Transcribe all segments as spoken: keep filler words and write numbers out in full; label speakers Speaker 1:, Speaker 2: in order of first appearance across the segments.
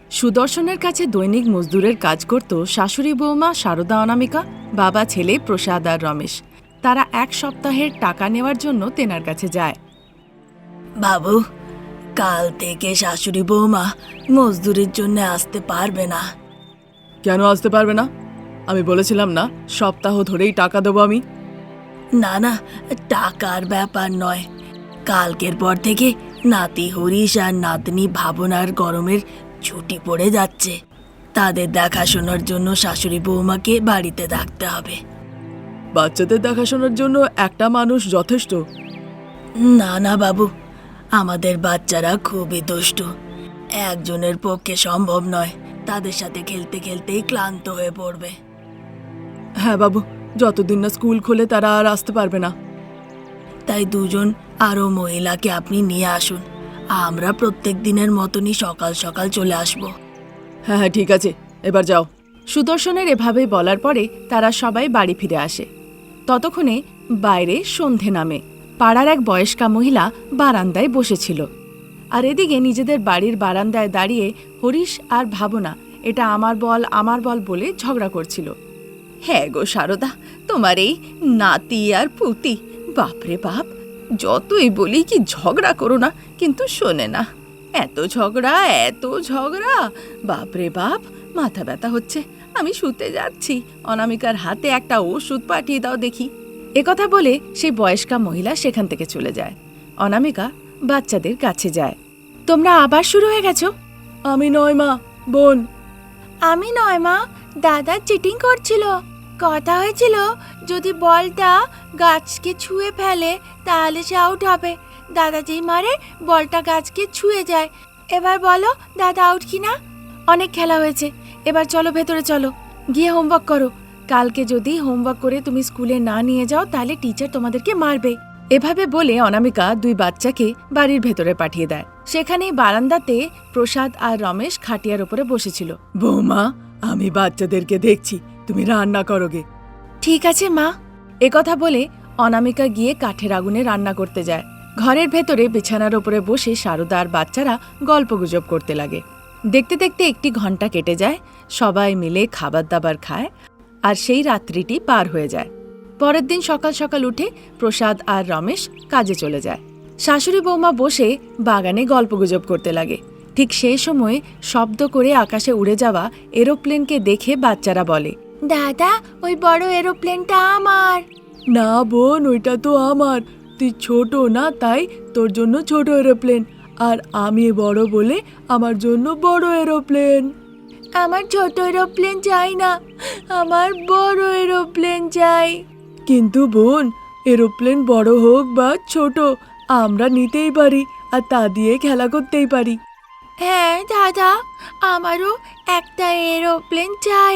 Speaker 1: সুদর্শনের কাছে দৈনিক মজদুরের কাজ করত শাশুড়ি বৌমা শারদা অনামিকা, বাবা ছেলে প্রসাদ আর রমেশ। তারা এক সপ্তাহের টাকা নেওয়ার জন্য তেনার কাছে যায়।
Speaker 2: বাবু, কাল থেকে শাশুড়ি বৌমা মজদুরির জন্য আসতে পারবে না।
Speaker 1: কেন আসতে পারবে না? আমি বলেছিলাম না সপ্তাহ ধরেই টাকা দেবো আমি।
Speaker 2: না না, টাকার ব্যাপার নয়, কালকের পর থেকে নাতি হরিশ আর নাতনি ভাবনার গরমের ছুটি পড়ে যাচ্ছে। তাদের দেখাশোনার জন্য শাশুড়ি বৌমাকে বাড়িতে থাকতে হবে।
Speaker 1: বাচ্চাদের দেখাশোনার জন্য একটা মানুষ যথেষ্ট।
Speaker 2: না না বাবু, আমাদের বাচ্চারা খুবই দুষ্টু, একজনের পক্ষে সম্ভব নয়। তাদের সাথে খেলতে খেলতেই ক্লান্ত হয়ে পড়বে।
Speaker 1: হ্যাঁ বাবু, যতদিন না স্কুল খোলে তারা আর আসতে পারবে না।
Speaker 2: তাই দুজন আরও মহিলাকে আপনি নিয়ে আসুন, আমরা প্রত্যেক দিনের মতনই সকাল সকাল চলে আসব।
Speaker 1: হ্যাঁ হ্যাঁ ঠিক আছে, এবার যাও। সুদর্শনের এভাবে বলার পরে তারা সবাই বাড়ি ফিরে আসে। ততক্ষণে বাইরে সন্ধে নামে। পাড়ার এক বয়স্কা মহিলা বারান্দায় বসেছিল, আর এদিকে নিজেদের বাড়ির বারান্দায় দাঁড়িয়ে হরিশ আর ভাবনা এটা আমার বল আমার বল বলে ঝগড়া করছিল। হ্যাঁ গো শারদা, তোমার এই নাতি আর পুতি, বাপরে বাপ, যতই বলি কি ঝগড়া করো না, কিন্তু শোনে না। এত ঝগড়া এত ঝগড়া, বাপরে বাপ, মাথা ব্যথা হচ্ছে। আমি শুতে যাচ্ছি, অনামিকার হাতে একটা ওষুধ পাঠিয়ে দাও দেখি। একথা বলে সেই বয়স্কা মহিলা সেখান থেকে চলে যায়। অনামিকা বাচ্চাদের কাছে যায়। তোমরা আবার শুরু হয়ে গেছো? আমি নয় মা, বোন।
Speaker 3: আমি নয় মা, দাদা চিটিং করছিল। কথা হয়েছিল যদি বলটা গাছকে ছুঁয়ে ফেলে তাহলে সে আউট হবে। দাদা যেই মারে বলটা গাছকে ছুঁয়ে যায়। এবার বলো দাদা আউট কি না? অনেক খেলা হয়েছে, এবার চলো ভেতরে চলো, গিয়ে হোমওয়ার্ক করো। কালকে যদি হোমওয়ার্ক করে তুমি স্কুলে না নিয়ে যাও তাহলে টিচার তোমাদেরকে মারবে। এভাবে বলে অনামিকা দুই বাচ্চাকে বাড়ির ভেতরে পাঠিয়ে দেয়। সেখানে বারান্দাতে প্রসাদ আর রমেশ খাটিয়ার উপরে বসেছিল।
Speaker 1: বৌমা, আমি বাচ্চাদেরকে দেখছি, তুমি রান্না করোগে।
Speaker 3: ঠিক আছে মা।
Speaker 1: একথা বলে অনামিকা গিয়ে কাঠের আগুনে রান্না করতে যায়। ঘরের ভেতরে বিছানার উপরে বসে শারদা আর বাচ্চারা গল্পগুজব করতে লাগে। দেখতে দেখতে একটি ঘন্টা কেটে যায়। সবাই মিলে খাবার দাবার খায়, আর সেই রাত্রিটি পার হয়ে যায়। পরের দিন সকাল সকাল উঠে প্রসাদ আর রমেশ কাজে চলে যায়। শাশুড়ি বৌমা বসে বাগানে গল্পগুজব করতে লাগে। ঠিক সেই সময়ে শব্দ করে আকাশে উড়ে যাওয়া এরোপ্লেনকে দেখে বাচ্চারা বলে,
Speaker 3: দাদা ওই বড় এরোপ্লেনটা আমার।
Speaker 1: না বোন, ওইটা তো আমার। তুই ছোট না, তাই তোর জন্য ছোট এরোপ্লেন, আর আমি বড় বলে আমার জন্য বড় এরোপ্লেন।
Speaker 3: আমার ছোট এরোপ্লেন চাই না, আমার বড় এরোপ্লেন চাই।
Speaker 1: কিন্তু বোন, এরোপ্লেন বড় হোক বা ছোট, আমরা নিতেই পারি, আর তা দিয়ে খেলা করতেই পারি।
Speaker 3: হ্যাঁ দাদা, আমারও একটা এরোপ্লেন চাই।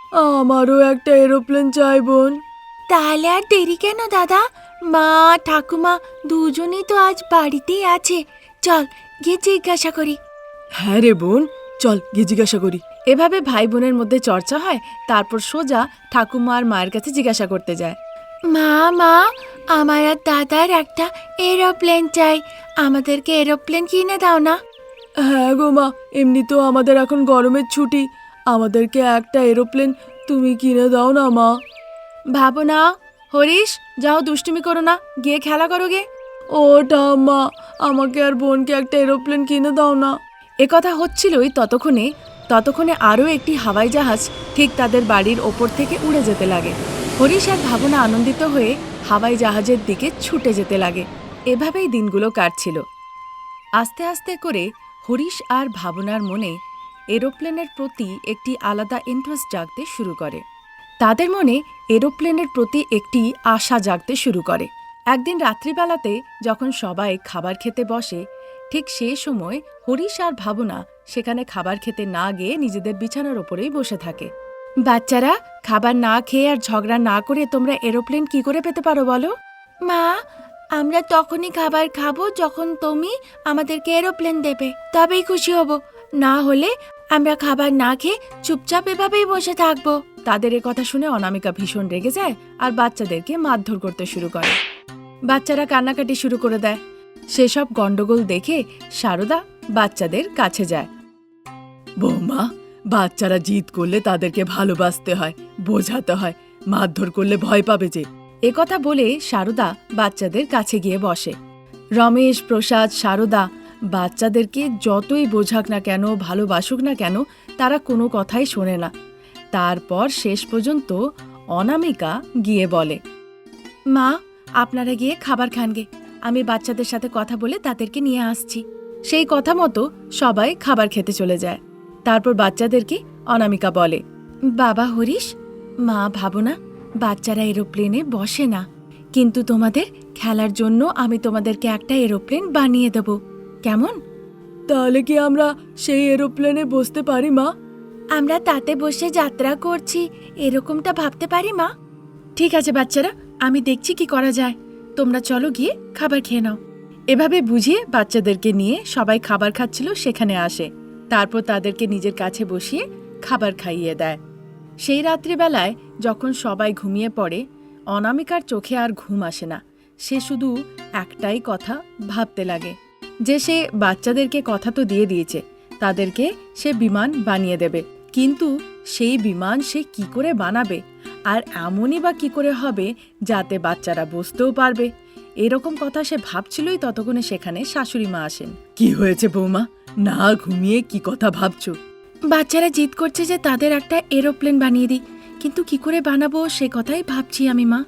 Speaker 1: আমারও একটা এরোপ্লেন চাই বোন।
Speaker 3: তাহলে আর দেরি কেন দাদা? মা ঠাকুমা দুজনেই তো আজ বাড়িতেই আছে, চল গিয়ে জিজ্ঞাসা করি।
Speaker 1: হ্যাঁ রে বোন, চল গিয়ে জিজ্ঞাসা করি। এভাবে ভাই বোনের মধ্যে চর্চা হয়। তারপর সোজা ঠাকুমা আর মায়ের কাছে জিজ্ঞাসা করতে যায়।
Speaker 3: মা মা, আমার আর দাদার একটা এরোপ্লেন চাই, আমাদেরকে এরোপ্লেন কিনে দাও না?
Speaker 1: হ্যাঁ গো মা, এমনিতেও আমাদের এখন গরমের ছুটি, আমাদেরকে একটা এরোপ্লেন তুমি কিনে দাও না মা। ভাবো না হরিশ, যাও দুষ্টুমি করো না, গিয়ে খেলা করো গে। ও ঠাম্মা, আমাকে আর বোনকে একটা এরোপ্লেন কিনে দাও না। একথা হচ্ছিলই ততক্ষণে ততক্ষণে আরও একটি হাওয়াই জাহাজ ঠিক তাদের বাড়ির ওপর থেকে উড়ে যেতে লাগে। হরিশ আর ভাবনা আনন্দিত হয়ে হাওয়াই জাহাজের দিকে ছুটে যেতে লাগে। এভাবেই দিনগুলো কাটছিল। আস্তে আস্তে করে হরিশ আর ভাবনার মনে এরোপ্লেনের প্রতি একটি আলাদা ইন্টারেস্ট জাগতে শুরু করে। তাদের মনে এরোপ্লেনের প্রতি একটি আশা জাগতে শুরু করে। একদিন রাত্রিবেলাতে যখন সবাই খাবার খেতে বসে, ঠিক সেই সময় হরিশ আর ভাবনা সেখানে খাবার খেতে না গিয়ে নিজেদের বিছানার ওপরেই বসে থাকে। বাচ্চারা, খাবার না খেয়ে আর ঝগড়া না করে তোমরা এরোপ্লেন কি করে পেতে পারো বলো?
Speaker 3: মা, আমরা তখনই খাবার খাবো যখন তুমি আমাদেরকে এরোপ্লেন দেবে, তবেই খুশি হব। না হলে আমরা খাবার না খেয়ে চুপচাপ এভাবেই বসে থাকবো।
Speaker 1: তাদের এ কথা শুনে অনামিকা ভীষণ রেগে যায় আর বাচ্চাদেরকে মারধর করতে শুরু করে। বাচ্চারা কান্নাকাটি শুরু করে দেয়। সেসব গন্ডগোল দেখে শারদা বাচ্চাদের কাছে যায়। বৌমা, বাচ্চারা জিদ করলে তাদেরকে ভালোবাসতে হয়, বোঝাতে হয়, মারধর করলে ভয় পাবে যে। এ কথা বলে সারদা বাচ্চাদের কাছে গিয়ে বসে। রমেশ, প্রসাদ, সারদা বাচ্চাদেরকে যতই বোঝাক না কেন, ভালোবাসুক না কেন, তারা কোনো কথাই শোনে না। তারপর শেষ পর্যন্ত অনামিকা গিয়ে বলে, মা, আপনারা গিয়ে খাবার খানগে, আমি বাচ্চাদের সাথে কথা বলে তাদেরকে নিয়ে আসছি। সেই কথা মতো সবাই খাবার খেতে চলে যায়। তারপর বাচ্চাদেরকে অনামিকা বলে, বাবা হরিশ, মা ভাবনা, বাচ্চারা এরোপ্লেনে বসে না, কিন্তু তোমাদের খেলার জন্য আমি তোমাদেরকে একটা এরোপ্লেন বানিয়ে দেব, কেমন? তাহলে কি আমরা সেই এরোপ্লেনে বসতে পারি মা? আমরা তাতে বসে যাত্রা করছি এরকমটা ভাবতে পারি মা। ঠিক আছে বাচ্চারা, আমি দেখছি কি করা যায়, তোমরা চলো গিয়ে খাবার খেয়ে নাও। এভাবে বুঝিয়ে বাচ্চাদেরকে নিয়ে সবাই খাবার খাচ্ছিল সেখানে আসে। তারপর তাদেরকে নিজের কাছে বসিয়ে খাবার খাইয়ে দেয়। সেই রাত্রিবেলায় যখন সবাই ঘুমিয়ে পড়ে, অনামিকার চোখে আর ঘুম আসে না। সে শুধু একটাই কথা ভাবতে লাগে যে সে বাচ্চাদেরকে কথা তো দিয়ে দিয়েছে, তাদেরকে সে বিমান বানিয়ে দেবে, কিন্তু সেই বিমান সে কি করে বানাবে, আর এমনই বা কি করে হবে যাতে বাচ্চারা বসতেও পারবে। এরকম কথা সে ভাবছিলই, ততক্ষণে সেখানে শাশুড়ি মা আসেন। কি হয়েছে বৌমা, না ঘুমিয়ে কি কথা ভাবছো? বাচ্চারা জিদ করছে যে তাদের একটা এরোপ্লেন বানিয়ে দিই, কিন্তু কি করে বানাবো সে কথাই ভাবছি আমি মা।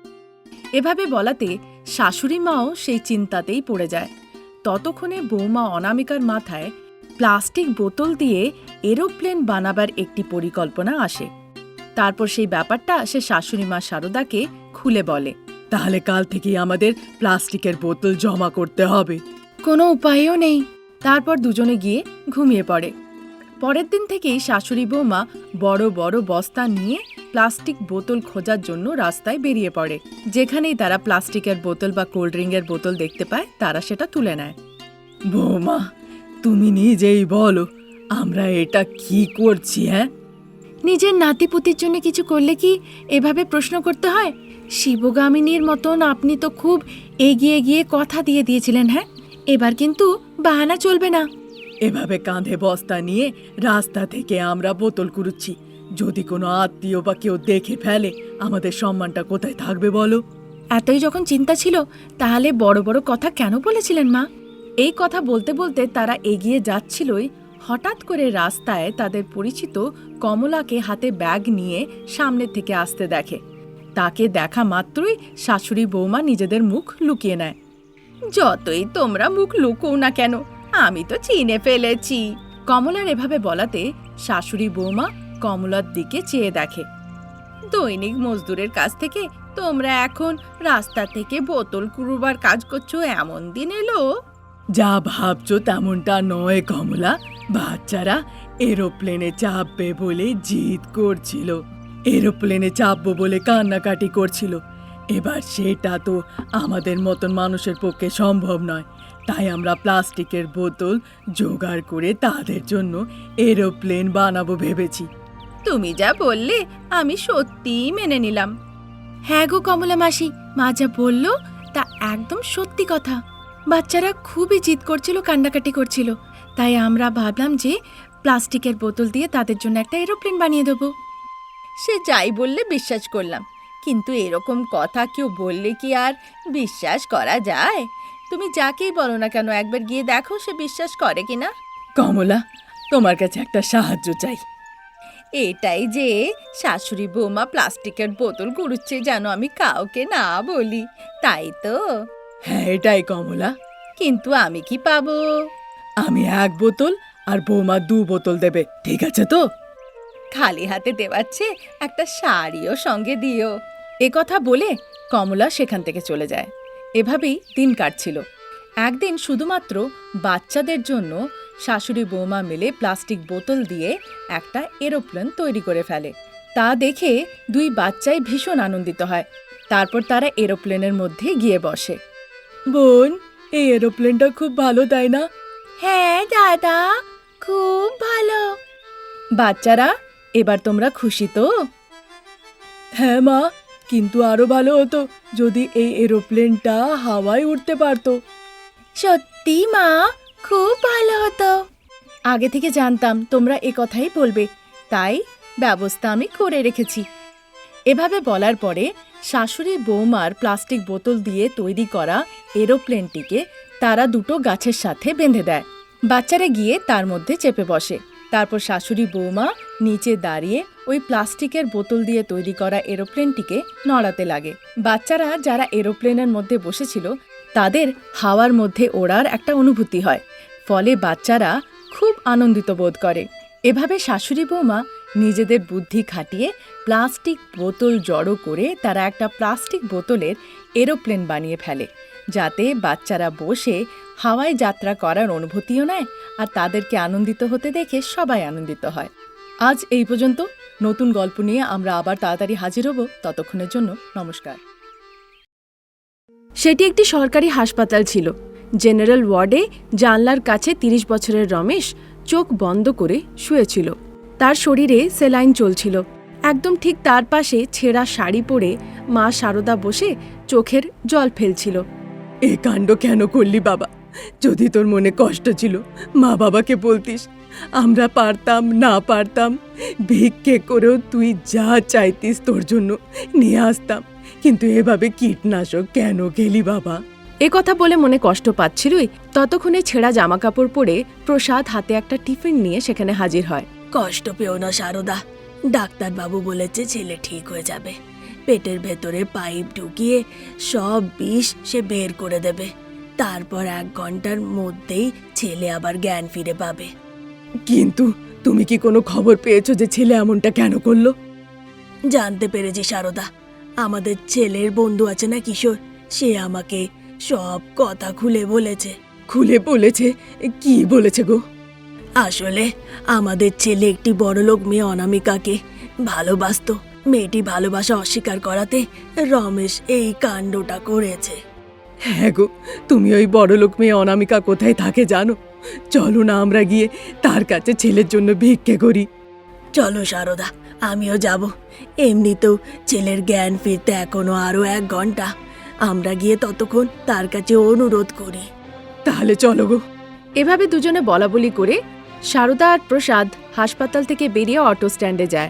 Speaker 1: এভাবে বলাতে শাশুড়ি মাও সেই চিন্তাতেই পড়ে যায়। ততক্ষণে বৌমা অনামিকার মাথায় প্লাস্টিক বোতল দিয়ে এরোপ্লেন বানাবার একটি পরিকল্পনা আসে। তারপর সেই ব্যাপারটা সে শাশুড়ি মা সারদাকে খুলে বলে, তাহলে কাল থেকেই আমাদের প্লাস্টিকের বোতল জমা করতে হবে। কোনো উপায়ও নেই। তারপর দুজনে গিয়ে ঘুমিয়ে পড়ে। পরের দিন থেকেই শাশুড়ি বৌমা বড় বড় বস্তা নিয়ে প্লাস্টিক বোতল খোঁজার জন্য রাস্তায় বেরিয়ে পড়ে। যেখানেই তারা প্লাস্টিকের বোতল বা কোল্ড ড্রিঙ্কের বোতল দেখতে পায়, তারা সেটা তুলে নেয়। বৌমা, তুমি নিজেই বলো, আমরা এটা কি করছি? হ্যাঁ, নিজের নাতিপুতির জন্য কিছু করলে কি এভাবে প্রশ্ন করতে হয়? শিবগামিনীর মতন আপনি তো খুব এগিয়ে গিয়ে কথা দিয়ে দিয়েছিলেন। হ্যাঁ, এবার কিন্তু বাহানা চলবে না। এভাবে কাঁধে বস্তা নিয়ে রাস্তা থেকে আমরা বোতল কুড়ুচ্ছি, যদি কোনো আত্মীয় বা কেউ দেখে ফেলে আমাদের সম্মানটা কোথায় থাকবে বলো? এতই যখন চিন্তা ছিল, তাহলে বড় বড় কথা কেন বলেছিলেন মা? এই কথা বলতে বলতে তারা এগিয়ে যাচ্ছিলই, হঠাৎ করে রাস্তায় তাদের পরিচিত কমলাকে হাতে ব্যাগ নিয়ে সামনের থেকে আসতে দেখে। তাকে দেখা মাত্রই শাশুড়ি বৌমা নিজেদের মুখ লুকিয়ে নেয়। যতই তোমরা মুখ লুকোও না কেন, আমি তো চিনে ফেলেছি। কমলার এভাবে বলাতে শাশুড়ি বৌমা কমলার দিকে চেয়ে দেখে। দৈনিক মজদুরের কাছ থেকে তোমরা এখন রাস্তা থেকে বোতল কুড়োবার কাজ করছো, এমন দিন এলো? যা ভাবছো তেমনটা নয় কমলা, বাচ্চারা এরোপ্লেনে চাপবে বলে জিদ করছিল, এরোপ্লেনে চাপবো বলে কান্নাকাটি করছিল। এবার সেটা তো আমাদের মতন মানুষের পক্ষে সম্ভব নয়, তাই আমরা প্লাস্টিকের বোতল জোগাড় করে তাদের জন্য এরোপ্লেন বানাবো ভেবেছি। তুমি যা বললে আমি সত্যিই মেনে নিলাম। হ্যাঁ গো কমলা মাসি, মা যা বলল তা একদম সত্যি কথা। বাচ্চারা খুবই জিদ করছিল, কান্নাকাটি করছিল, তাই আমরা ভাবলাম যে প্লাস্টিকের বোতল দিয়ে তাদের জন্য একটা এরোপ্লেন বানিয়ে দেবো। সে যাই বললে বিশ্বাস করলাম, কিন্তু এরকম কথা কেউ বললে কি আর বিশ্বাস করা যায়? তুমি যাকেই বলো না কেন, একবার গিয়ে দেখো সে বিশ্বাস করে কিনা। কমলা, তোমার কাছে একটা সাহায্য চাই। এটাই যে শাশুড়ি বৌমা প্লাস্টিকের বোতল কুড়ুচ্ছে যেন আমি কাউকে না বলি, তাই তো? হ্যাঁ এটাই কমলা। কিন্তু আমি কি পাবো? আমি এক বোতল আর বৌমা দু বোতল দেবে, ঠিক আছে তো? খালি হাতে দেওয়াচ্ছে একটা শাড়িও সঙ্গে দিও। এ কথা বলে কমলা সেখান থেকে চলে যায়। এভাবেই দিন কাটছিল। একদিন শুধুমাত্র বাচ্চাদের জন্য শাশুড়ি বৌমা মিলে প্লাস্টিক বোতল দিয়ে একটা এরোপ্লেন তৈরি করে ফেলে। তা দেখে দুই বাচ্চাই ভীষণ আনন্দিত হয়। তারপর তারা এরোপ্লেনের মধ্যে গিয়ে বসে। বোন, এই এরোপ্লেনটা খুব ভালো, তাই না? হ্যাঁ দাদা, খুব ভালো। বাচ্চারা, এবার তোমরা খুশি তো? হ্যাঁ মা, কিন্তু আরো ভালো হতো যদি এই এরোপ্লেনটা হাওয়ায় উড়তে পারতো। সত্যি মা, খুব ভালো হতো। আগে থেকে জানতাম তোমরা এ কথাই বলবে, তাই ব্যবস্থা আমি করে রেখেছি। এভাবে বলার পরে শাশুড়ি বৌমার প্লাস্টিক বোতল দিয়ে তৈরি করা এরোপ্লেনটিকে তারা দুটো গাছের সাথে বেঁধে দেয়। বাচ্চারা গিয়ে তার মধ্যে চেপে বসে। তারপর শাশুড়ি বৌমা নিচে দাঁড়িয়ে ওই প্লাস্টিকের বোতল দিয়ে তৈরি করা এরোপ্লেনটিকে নড়াতে লাগে। বাচ্চারা যারা এরোপ্লেনের মধ্যে বসেছিল তাদের হাওয়ার মধ্যে ওড়ার একটা অনুভূতি হয়, ফলে বাচ্চারা খুব আনন্দিত বোধ করে। এভাবে শাশুড়ি বৌমা নিজেদের বুদ্ধি খাটিয়ে প্লাস্টিক বোতল জড়ো করে তারা একটা প্লাস্টিক বোতলের এরোপ্লেন বানিয়ে ফেলে, যাতে বাচ্চারা বসে হাওয়ায় যাত্রা করার অনুভূতিও নেয় আর তাদেরকে আনন্দিত হতে দেখে সবাই আনন্দিত হয়। আজ এই পর্যন্ত। নতুন গল্প নিয়ে আমরা আবার তাড়াতাড়ি হাজির হব। ততক্ষণের জন্য নমস্কার। সেটি একটি সরকারি হাসপাতাল ছিল। জেনারেল ওয়ার্ডে জানলার কাছে তিরিশ বছরের রমেশ চোখ বন্ধ করে শুয়েছিল। তার শরীরে সেলাইন চলছিল। একদম ঠিক তার পাশে ছেঁড়া শাড়ি পরে মা শারদা বসে চোখের জল ফেলছিল।
Speaker 4: এ কাণ্ড কেন করলি বাবা? যদি তোর মনে কষ্ট ছিল মা বাবাকে বলতিস, আমরা পারতাম না পারতাম ভিক্ষে করেও তুই যা চাইতিস তোর জন্য নিয়ে আসতাম, কিন্তু এভাবে কীটনাশক কেন খেলি বাবা?
Speaker 1: এ কথা বলে মনে কষ্ট পাচ্ছিলই ততক্ষণে ছেঁড়া জামাকাপড় পরে প্রসাদ হাতে একটা টিফিন নিয়ে সেখানে হাজির হয়।
Speaker 2: কষ্ট পেও না শারদা, ডাক্তারবাবু বলেছে ছেলে ঠিক হয়ে যাবে। পেটের ভেতরে পাইপ ঢুকিয়ে সব বিষ সে বের করে দেবে। তারপর এক ঘন্টার মধ্যেই ছেলে আবার জ্ঞান ফিরে পাবে।
Speaker 4: কিন্তু তুমি কি কোনো খবর পেয়েছো যে ছেলে এমনটা কেন করলো?
Speaker 2: জানতে পেরেছি শারদা, আমাদের ছেলের বন্ধু আছে না কিশোর, সে আমাকে সব কথা খুলে বলেছে।
Speaker 4: খুলে বলেছে? কি বলেছে গো?
Speaker 2: আসলে আমাদের ছেলে একটি বড়লোক মেয়ে অনামিকাকে ভালোবাসতো। মেয়েটি ভালোবাসা অস্বীকার করাতে রমেশ এই কাণ্ডটা করেছে।
Speaker 4: হ্যাঁ গো, তুমি ওই বড়লোক মেয়ে অনামিকা কোথায় থাকে জানো? চলো না আমরা গিয়ে তার কাছে ছেলের জন্য ভিক্ষে করি।
Speaker 2: চলো শারদা, আমিও যাব। এমনিতেও ছেলের জ্ঞান ফিরতে এখনো আরো এক ঘন্টা। আমরা গিয়ে ততক্ষণ তার কাছে অনুরোধ করি।
Speaker 4: তাহলে চলো গো।
Speaker 1: এভাবে দুজনে বলাবলি করে শারদা আর প্রসাদ হাসপাতাল থেকে বেরিয়ে অটো স্ট্যান্ডে যায়।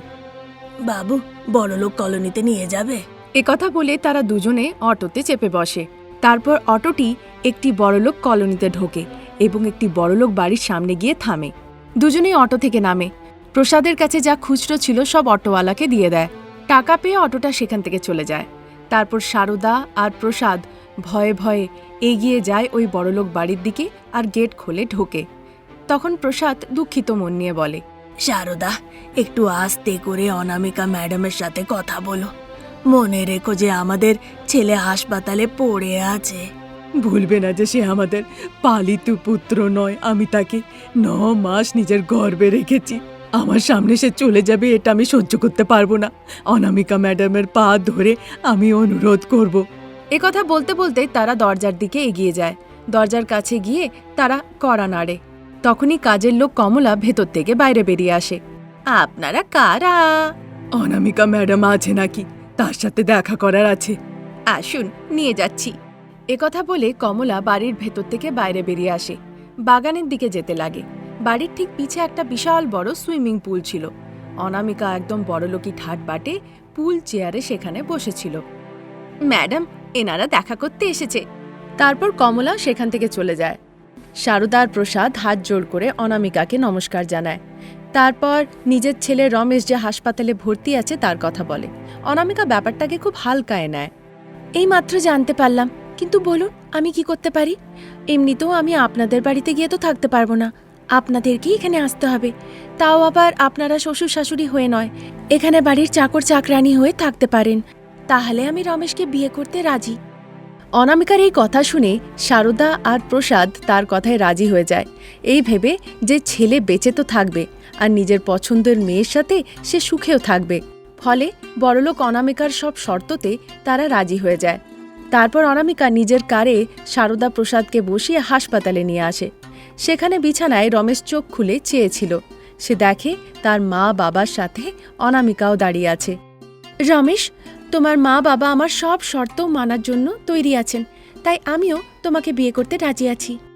Speaker 2: বাবু, বড়লোক কলোনিতে নিয়ে যাবে?
Speaker 1: এ কথা বলে তারা দুজনে অটোতে চেপে বসে। তারপর অটোটি একটি বড়লোক কলোনিতে ঢোকে এবং একটি বড়লোক বাড়ির সামনে গিয়ে থামে। দুজনেই অটো থেকে নামে। প্রসাদের কাছে যা খুচরো ছিল সব অটোওয়ালাকে দিয়ে দেয়। টাকা পেয়ে অটোটা সেখান থেকে চলে যায়। তারপর শারদা আর প্রসাদ ভয়ে ভয়ে এগিয়ে যায় ওই বড়লোক বাড়ির দিকে আর গেট খুলে ঢোকে। তখন প্রসাদ দুঃখিত মন নিয়ে বলে,
Speaker 2: শারদা, একটু আস্তে করে অনামিকা ম্যাডামের সাথে কথা বলো। মনে রেখো যে আমাদের ছেলে হাসপাতালে পড়ে আছে।
Speaker 4: ভুলবে না যে সে আমাদের পালিত পুত্র নয়। আমি তাকে ন মাস নিজের গর্ভে রেখেছি। আমার সামনে সে চলে যাবে এটা আমি সহ্য করতে পারবো না। অনামিকা ম্যাডামের পা ধরে আমি অনুরোধ করব।
Speaker 1: এ কথা বলতে বলতে তারা দরজার দিকে এগিয়ে যায়। দরজার কাছে গিয়ে তারা কড়া নাড়ে। তখনই কাজের লোক কমলা ভেতর থেকে বাইরে বেরিয়ে আসে। আপনারা কারা?
Speaker 4: অনামিকা ম্যাডাম আছে নাকি? তার সাথে দেখা করার আছে।
Speaker 1: আসুন, নিয়ে যাচ্ছি। এ কথা বলে কমলা বাড়ির ভেতর থেকে বাইরে বেরিয়ে আসে। বাগানের দিকে যেতে লাগে। বাড়ির ঠিক পিছে একটা বিশাল বড় সুইমিং পুল ছিল। অনামিকা একদম বড়লোকি ঠাট বাটে পুল চেয়ারে সেখানে বসেছিল। ম্যাডাম, এনারা দেখা করতে এসেছে। তারপর কমলা সেখান থেকে চলে যায়। শারদা আর প্রসাদ হাত জোড় করে অনামিকাকে নমস্কার জানায়। তারপর নিজের ছেলে রমেশ যে হাসপাতালে ভর্তি আছে তার কথা বলে। অনামিকা ব্যাপারটাকে খুব হালকায় নেয়। এই মাত্র জানতে পারলাম, কিন্তু বলুন আমি কি করতে পারি? এমনিতেও আমি আপনাদের বাড়িতে গিয়ে তো থাকতে পারবো না, আপনাদেরকেই এখানে আসতে হবে। তাও আবার আপনারা শ্বশুর শাশুড়ি হয়ে নয়, এখানে বাড়ির চাকর চাকরানি হয়ে থাকতে পারেন। তাহলে আমি রমেশকে বিয়ে করতে রাজি। অনামিকার এই কথা শুনে শারদা আর প্রসাদ তার কথায় রাজি হয়ে যায়, এই ভেবে যে ছেলে বেঁচে তো থাকবে আর নিজের পছন্দের মেয়ের সাথে সে সুখেও থাকবে। ফলে বড়লোক অনামিকার সব শর্ততে তারা রাজি হয়ে যায়। তারপর অনামিকা নিজের কারে শারদা প্রসাদকে বসিয়ে হাসপাতালে নিয়ে আসে। সেখানে বিছানায় রমেশ চোখ খুলে চেয়েছিল। সে দেখে তার মা বাবার সাথে অনামিকাও দাঁড়িয়ে আছে। রমেশ, তোমার মা বাবা আমার সব শর্ত মানার জন্য তৈরি আছেন, তাই আমিও তোমাকে বিয়ে করতে রাজি আছি।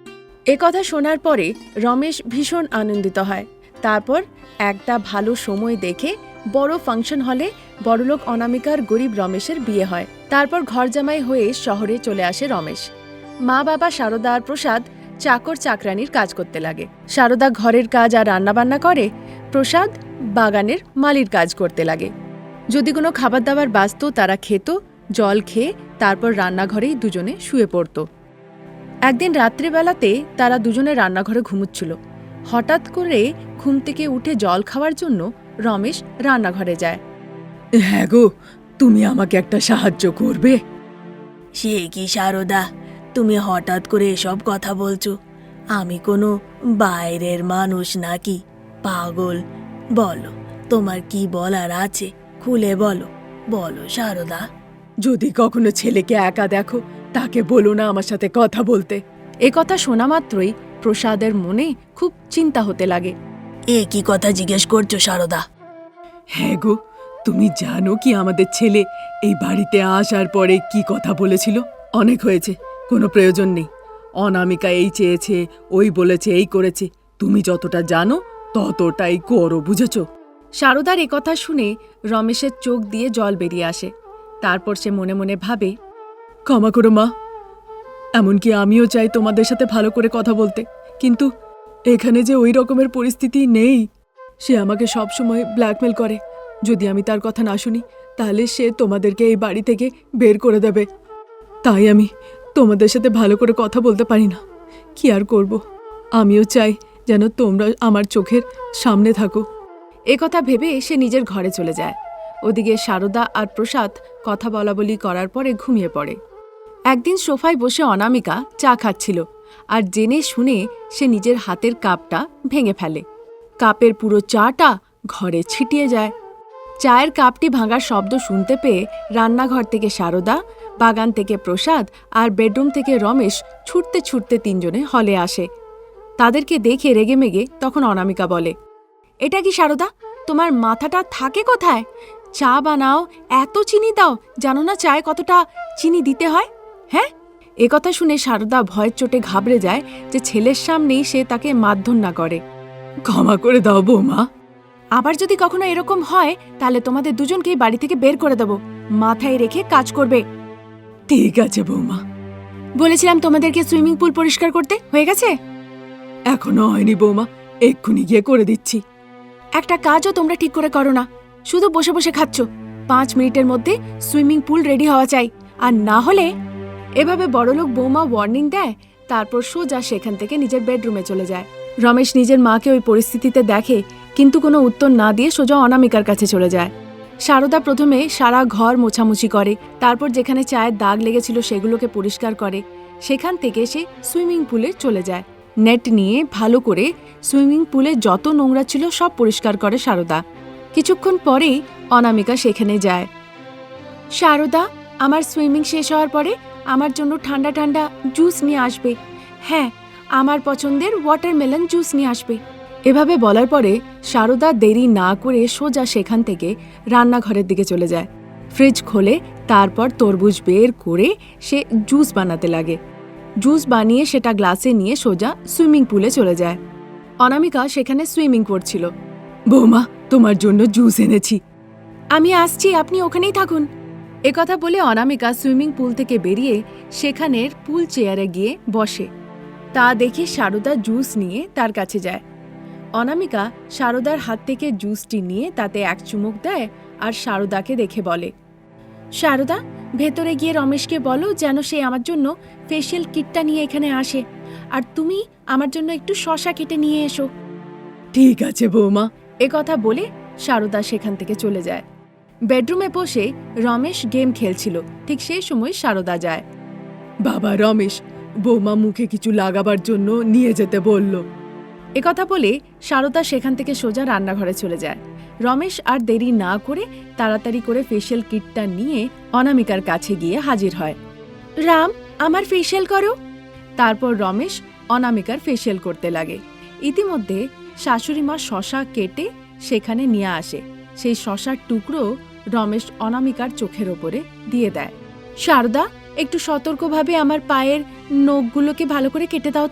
Speaker 1: এ কথা শোনার পরে রমেশ ভীষণ আনন্দিত হয়। তারপর একটা ভালো সময় দেখে বড় ফাংশন হলে বড়লোক অনামিকার গরিব রমেশের বিয়ে হয়। তারপর ঘর জামাই হয়ে শহরে চলে আসে রমেশ। মা বাবা সারদা আর প্রসাদ চাকর চাকরানির কাজ করতে লাগে। সারদা ঘরের কাজ আর রান্নাবান্না করে, প্রসাদ বাগানের মালির কাজ করতে লাগে। যদি কোনো খাবার দাবার বাঁচত তারা খেত, জল খেয়ে তারপর রান্নাঘরেই দুজনে শুয়ে পড়ত। একদিন রাত্রিবেলাতে তারা দুজনে রান্নাঘরে ঘুমুচ্ছিল। হঠাৎ করে ঘুম থেকে উঠে জল খাওয়ার জন্য রমেশ রান্নাঘরে যায়।
Speaker 4: হ্যাঁ গো, তুমি আমাকে একটা সাহায্য করবে?
Speaker 2: সে কি সারদা, তুমি হঠাৎ করে এসব কথা বলছো? আমি কোনো বাইরের মানুষ নাকি? পাগল, বলো তোমার কি বলার আছে, খুলে বলো, বলো সারদা।
Speaker 4: যদি কখনো ছেলেকে একা দেখো, তাকে বলো না আমার সাথে কথা বলতে।
Speaker 1: এ কথা শোনা মাত্রই প্রসাদের মনে খুব চিন্তা হতে লাগে।
Speaker 2: এ কি কথা জিজ্ঞেস করছো সারদা?
Speaker 4: হ্যাঁ গো, তুমি জানো কি আমাদের ছেলে এই বাড়িতে আসার পরে কি কথা বলেছিল? অনেক হয়েছে, কোনো প্রয়োজন নেই। অনামিকা এই চেয়েছে, ওই বলেছে, এই করেছে। তুমি যতটা জানো ততটাই করো, বুঝেছো?
Speaker 1: সারদার এ কথা শুনে রমেশের চোখ দিয়ে জল বেরিয়ে আসে। তারপর সে মনে মনে ভাবে,
Speaker 4: ক্ষমা করো মা, এমনকি আমিও চাই তোমাদের সাথে ভালো করে কথা বলতে, কিন্তু এখানে যে ওই রকমের পরিস্থিতি নেই। সে আমাকে সব সময় ব্ল্যাকমেল করে। যদি আমি তার কথা না শুনি তাহলে সে তোমাদেরকে এই বাড়ি থেকে বের করে দেবে। তাই আমি তোমাদের সাথে ভালো করে কথা বলতে পারি না। কি আর করব, আমিও চাই যেন তোমরা আমার চোখের সামনে থাকো।
Speaker 1: এ কথা ভেবে সে নিজের ঘরে চলে যায়। ওদিকে সারদা আর প্রসাদ কথা বলা বলি করার পরে ঘুমিয়ে পড়ে। একদিন সোফায় বসে অনামিকা চা খাচ্ছিল, আর জেনে শুনে সে নিজের হাতের কাপটা ভেঙে ফেলে। কাপের পুরো চাটা ঘরে ছিটিয়ে যায়। চায়ের কাপটি ভাঙার শব্দ শুনতে পেয়ে রান্নাঘর থেকে সারদা, বাগান থেকে প্রসাদ আর বেডরুম থেকে রমেশ ছুটতে ছুটতে তিনজনে হলে আসে। তাদেরকে দেখে রেগেমেগে তখন অনামিকা বলে, এটা কি সারদা, তোমার মাথাটা থাকে কোথায়? চা বানাও, এত চিনি দাও, জানো না চায়ে কতটা চিনি দিতে হয়? হ্যাঁ? এ কথা শুনে সারদা ভয়ের চোটে ঘাবড়ে যায় যে ছেলের সামনেই সে তাকে মারধর না করে।
Speaker 4: ক্ষমা করে দাও বৌমা।
Speaker 1: আবার যদি কখনো এরকম হয় তাহলে তোমাদের দুজনকেই বাড়ি থেকে বের করে দেব। মাথায় রেখে কাজ করবে।
Speaker 4: ঠিক আছে বৌমা।
Speaker 1: বলেছিলাম তোমাদেরকে সুইমিং পুল পরিষ্কার করতে, হয়ে গেছে?
Speaker 4: এখনো হয়নি বৌমা, এক্ষুনি গিয়ে করে দিচ্ছি।
Speaker 1: একটা কাজও তোমরা ঠিক করে করো না, শুধু বসে বসে খাচ্ছ। পাঁচ মিনিটের মধ্যে সুইমিং পুল রেডি হওয়া চাই, আর না হলে। এভাবে বড়লোক বৌমা ওয়ার্নিং দেয়। তারপর সোজা সেখান থেকে নিজের বেডরুমে চলে যায়। রমেশ নিজের মাকে ওই পরিস্থিতিতে দেখে, কিন্তু কোনো উত্তর না দিয়ে সোজা অনামিকার কাছে চলে যায়। সারদা প্রথমে সারা ঘর মোছামুছি করে, তারপর যেখানে চায়ের দাগ লেগেছিল সেগুলোকে পরিষ্কার করে। সেখান থেকে সে সুইমিং পুলে চলে যায়। নেট নিয়ে ভালো করে সুইমিং পুলে যত নোংরা ছিল সব পরিষ্কার করে সারদা। কিছুক্ষণ পরেই অনামিকা সেখানে যায়। সারদা, আমার সুইমিং শেষ হওয়ার পরে আমার জন্য ঠান্ডা ঠান্ডা জুস নিয়ে আসবে। হ্যাঁ, আমার পছন্দের ওয়াটারমেলন জুস নিয়ে আসবে। এভাবে বলার পরে সারদা দেরি না করে সোজা সেখান থেকে রান্নাঘরের দিকে চলে যায়। ফ্রিজ খোলে, তারপর তরমুজ বের করে সে জুস বানাতে লাগে। জুস বানিয়ে সেটা গ্লাসে নিয়ে সোজা সুইমিং পুলে চলে যায়। অনামিকা সেখানে সুইমিং করছিল।
Speaker 4: বৌমা, তোমার জন্য জুস এনেছি।
Speaker 1: আমি আসছি, আপনি ওখানেই থাকুন। একথা বলে অনামিকা সুইমিং পুল থেকে বেরিয়ে সেখানের পুল চেয়ারে গিয়ে বসে। তা দেখে সারদা জুস নিয়ে তার কাছে যায়। অনামিকা সারদার হাত থেকে জুসটি নিয়ে তাতে এক চুমুক দেয় আর সারদাকে দেখে বলে, সারদা, ভেতরে গিয়ে রমেশকে বলো যেন সে আমার জন্য ফেশিয়াল কিটটা নিয়ে এখানে আসে, আর তুমি আমার জন্য একটু শসা কেটে নিয়ে এসো।
Speaker 4: ঠিক আছে বৌমা।
Speaker 1: একথা বলে সারদা সেখান থেকে চলে যায়। বেডরুমে বসে রমেশ গেম খেলছিল, ঠিক সেই সময় সারদা যায়।
Speaker 4: বাবা রমেশ, বৌমা মুখে কিছু লাগাবার জন্য নিয়ে যেতে বলল।
Speaker 1: একথা বলে সারদা সেখান থেকে সোজা রান্নাঘরে চলে যায়। রমেশ আর দেরি না করে তাড়াতাড়ি করে ফেশিয়াল কিটটা নিয়ে অনামিকার কাছে গিয়ে হাজির হয়। রাম, আমার ফেশিয়াল করো। তারপর রমেশ অনামিকার ফেশিয়াল করতে লাগে। ইতিমধ্যে শাশুড়ি মা শশা কেটে সেখানে নিয়ে আসে। সেই শশার টুকরো রমেশ অনামিকার চোখের ওপরে দিয়ে দেয়। সারদা, একটু সতর্কভাবে আমার পায়ের নখগুলোকে ভালো করে কেটে দাও তো।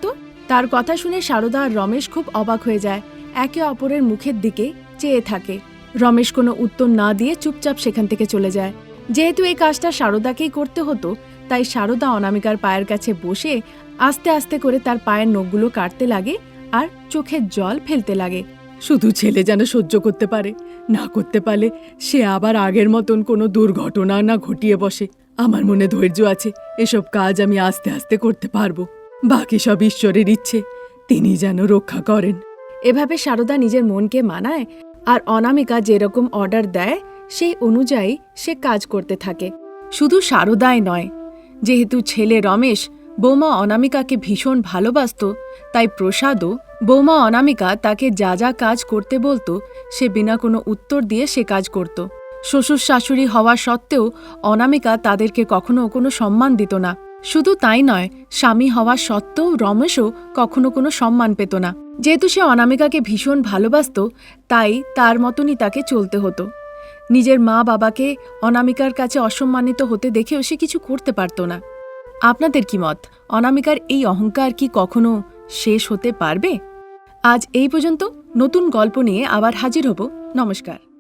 Speaker 1: তার কথা শুনে সারদা আর রমেশ খুব অবাক হয়ে যায়, একে অপরের মুখের দিকে চেয়ে থাকে। রমেশ কোনো উত্তর না দিয়ে চুপচাপ সেখান থেকে চলে যায়। যেহেতু এই কাজটা সারদাকেই করতে হতো, তাই সারদা অনামিকার পায়ের কাছে বসে আস্তে আস্তে করে তার পায়ের নখগুলো কাটতে লাগে আর চোখের জল ফেলতে লাগে।
Speaker 4: শুধু ছেলে যেন সহ্য করতে পারে, না করতে পারলে সে আবার আগের মতন কোনো দুর্ঘটনা না ঘটিয়ে বসে। আমার মনে ধৈর্য আছে, এসব কাজ আমি আস্তে আস্তে করতে পারবো। বাকি সব ঈশ্বরের ইচ্ছে, তিনি যেন রক্ষা করেন।
Speaker 1: এভাবে সারদা নিজের মনকে মানায় আর অনামিকা যেরকম অর্ডার দেয় সেই অনুযায়ী সে কাজ করতে থাকে। শুধু সারদাই নয়, যেহেতু ছেলে রমেশ বৌমা অনামিকাকে ভীষণ ভালোবাসত, তাই প্রসাদও বৌমা অনামিকা তাকে যা যা কাজ করতে বলতো সে বিনা কোনো উত্তর দিয়ে সে কাজ করত। শ্বশুর শাশুড়ি হওয়া সত্ত্বেও অনামিকা তাদেরকে কখনো কোনো সম্মান দিত না। শুধু তাই নয়, স্বামী হওয়া সত্ত্বেও রমেশও কখনো কোনো সম্মান পেত না। যেহেতু সে অনামিকাকে ভীষণ ভালোবাসত, তাই তার মতনই তাকে চলতে হতো। নিজের মা বাবাকে অনামিকার কাছে অসম্মানিত হতে দেখেও সে কিছু করতে পারত না। আপনাদের কি মত? অনামিকার এই অহংকার কি কখনো শেষ হতে পারবে? আজ এই পর্যন্ত। নতুন গল্প নিয়ে আবার হাজির হব। নমস্কার।